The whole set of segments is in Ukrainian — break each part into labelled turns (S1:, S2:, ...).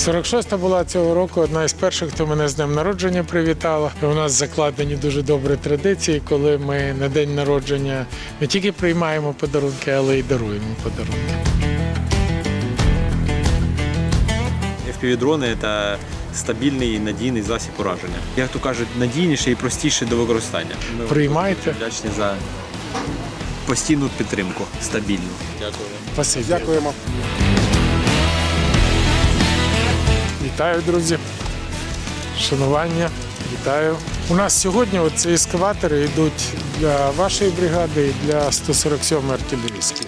S1: 46-та була цього року одна із перших, хто мене з днем народження привітала. У нас закладені дуже добрі традиції, коли ми на день народження не тільки приймаємо подарунки, але й даруємо подарунки.
S2: FPV-дрони – це стабільний і надійний засіб ураження. Як то кажуть, надійніший і простіший до використання. Ми
S1: Приймайте.
S2: вдячні за постійну підтримку, стабільну. Дякую.
S1: Спасибі.
S3: Дякуємо.
S1: Вітаю, друзі. Шанування. Вітаю. У нас сьогодні ці ескаватори йдуть для вашої бригади і для 147-ї артилерійської.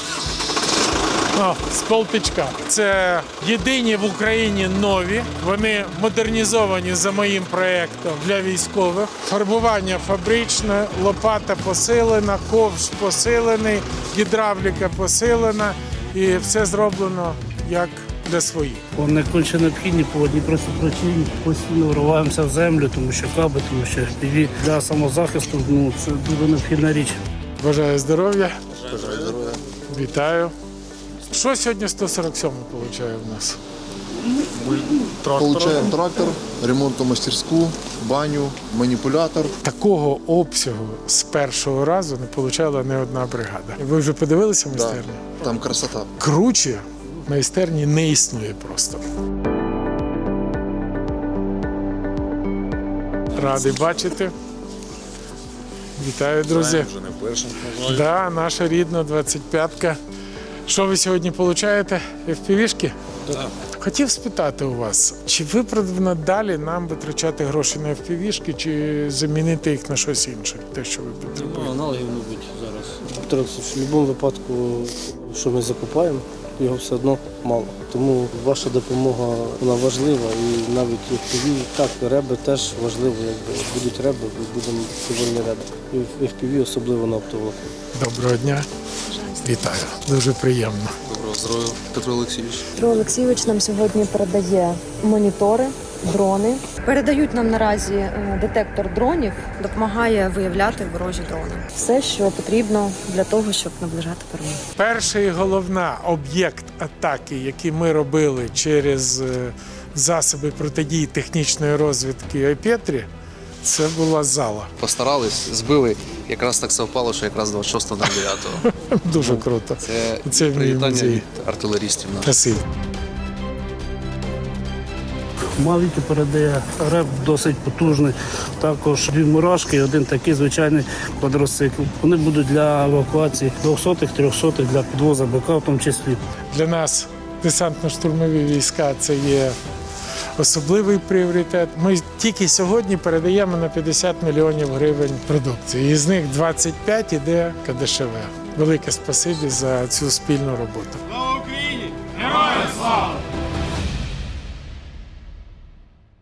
S1: З полтичка. Це єдині в Україні нові. Вони модернізовані за моїм проєктом для військових. Фарбування фабричне, лопата посилена, ковш посилений, гідравліка посилена і все зроблено як для своїх.
S4: Вони конче необхідні по одній просто причині. Постійно вриваємося в землю, тому що каби, тому що FPV для самозахисту це дуже необхідна річ.
S1: Бажаю здоров'я. Бажаю здоров'я. Вітаю. Що сьогодні 147 получає в нас?
S3: Получаємо трактор, ремонтну мастерську, баню, маніпулятор.
S1: Такого обсягу з першого разу не получала ні одна бригада. Ви вже подивилися майстерню?
S3: Там красота.
S1: Круче майстерні не існує просто. Радий бачити. Вітаю, друзі.
S5: Вже не вперше.
S1: Да, наша рідна 25-ка. Що ви сьогодні получаєте? FPV-шки?
S5: Так.
S1: Хотів спитати у вас, чи виправдано далі нам витрачати гроші на FPV-шки, чи замінити їх на щось інше, те, що ви потребуєте?
S4: Аналогів, мабуть, зараз. В будь-якому випадку, що ми закупаємо, його все одно мало. Тому ваша допомога вона важлива і навіть FPV, так, реби теж важливо. Якби будуть реби, будемо довольні реби. І в FPV особливо на оптоволокні.
S1: Доброго дня. Вітаю. Дуже приємно.
S5: Доброго здоров'я, Петро Олексійович.
S6: Петро Олексійович нам сьогодні передає монітори, дрони. Передають нам наразі детектор дронів, допомагає виявляти ворожі дрони. Все, що потрібно для того, щоб наближати перемогу.
S1: Перший і головна об'єкт атаки, який ми робили через засоби протидії технічної розвідки Айпетрі, це була зала.
S5: Постарались, збили. Якраз так совпало, що якраз 26.09.
S1: Дуже круто.
S5: Це
S1: в мій
S5: привітання
S1: музей.
S5: від артилерістів наших.
S1: Красиво.
S4: Мавіки передає реп досить потужний. Також дві мурашки і один такий звичайний квадроцикл. Вони будуть для евакуації 200-х, 300-х, для підвозу БК в тому числі.
S1: Для нас десантно-штурмові війська – це є особливий пріоритет. Ми тільки сьогодні передаємо на 50 мільйонів гривень продукції. Із них 25 іде КДШВ. Велике спасибі за цю спільну роботу.